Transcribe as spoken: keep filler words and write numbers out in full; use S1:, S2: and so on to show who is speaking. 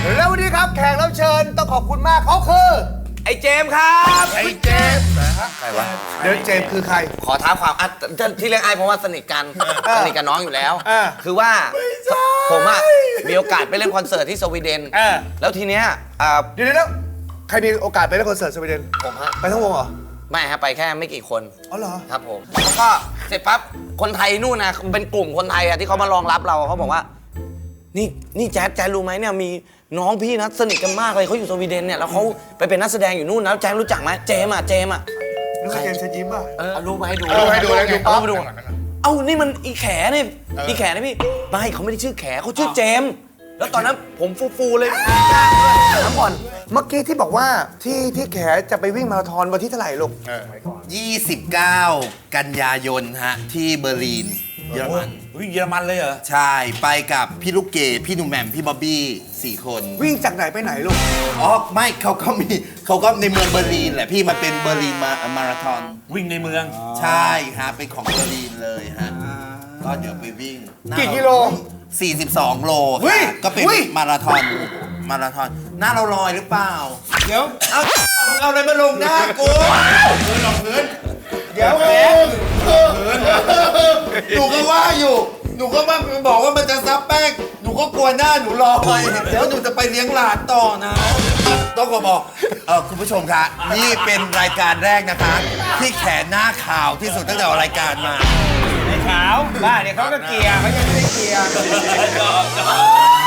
S1: แล้ววันนี้ครับแขกรับเชิญต้องขอบคุณมากเขาคือไอ้เจมส์ครับไอ้เจมส์ใครวะเดี๋ยวเจมส์คือใคร
S2: ขอท้าความอ่ะที่เรียกไอ้เพราะว่าสนิทกันสนิทกับน้องอยู่แล้วคือว่าผมอ่ะมีโอกาสไปเล่นคอนเสิร์ตที่สวีเดนแล้วทีเนี้ย
S1: เดี๋ยวแล้วใครมีโอกาสไปเล่นคอนเสิร์ตสวีเดน
S2: ผมฮะ
S1: ไปทั้งวงเหรอ
S2: ไม่ฮะไปแค่ไม่กี่คน
S1: อ๋อเหรอ
S2: ครับผมแล้วก็เสร็จปั๊บคนไทยนู่นนะเป็นกลุ่มคนไทยอ่ะที่เขามารองรับเราเขาบอกว่านี่นี่แจ๊ดแจ๊ดรู้ไหมเนี่ยมีน้องพี่นะสนิทกันมากเลยเขาอยู่สวีเดนเนี่ยแล้วเขาไปเป็นนักแสดงอยู่นู่นนะแจ๊ดรู้จักไหมเจมอ่ะเจมอ่ะ
S1: รู้จักเจมส์เชิญยิ้มป่ะ
S2: เอารูปมาให้ดู
S1: ให้ดูให้ดู
S2: เอามาดูเอ้านี่มันอีแขนี่อีแขนี่พี่ไม่เขาไม่ได้ชื่อแขเขาชื่อเจมแล้วตอนนั้นผมฟูๆเลยถามก่อน
S1: เมื่อกี้ที่บอกว่าที่ที่แขจะไปวิ่งมาราธอนวันที่เท่าไหร่ลูก
S3: ยี่สิบเก้ากันยายนฮะที่เบอร์ลินเยอรมัน
S4: วิ่งเยอรมันเลยเหรอ
S3: ใช่ไปกับพี่ลูกเกดพี่หนุ่มแหม่มพี่บ๊อบบี้สี่คน
S1: วิ่งจากไหนไปไหนลูก
S3: อ๋อไม่เขาก็มีเขาก็ในเมืองเบอร์ลินแหละพี่มันเป็นเบอร์ลินมามาราธอน
S4: วิ่งในเมือง
S3: ใช่ฮะเป็นของเบอร์ลินเลยฮะก็เดี๋ยวไปวิ่ง
S1: กี่กิโล
S3: สี่สิบสองโลก็เป็นมาราธอนมาราธอนหน้าเราลอยหรือเปล่าเดี๋ยวเอาเอาอะไรมาลงหน้ากูพื้นลงพื้นเดี๋ยวแหมหนูก็ว่าอยู่หนูก็ว่าบอกว่ามันจะซับแป้งหนูก็กลัวหน้าหนูลอยเดี๋ยวหนูจะไปเลี้ยงหลานต่อนะต้องขอบอกเออคุณผู้ชมคะนี่เป็นรายการแรกนะคะที่แขนหน้าขาวที่สุดตั้งแต่รายการมา
S4: ขาวบ้าเนี่ยเขาก็เกียร์เขายังไม่ได้เกียร์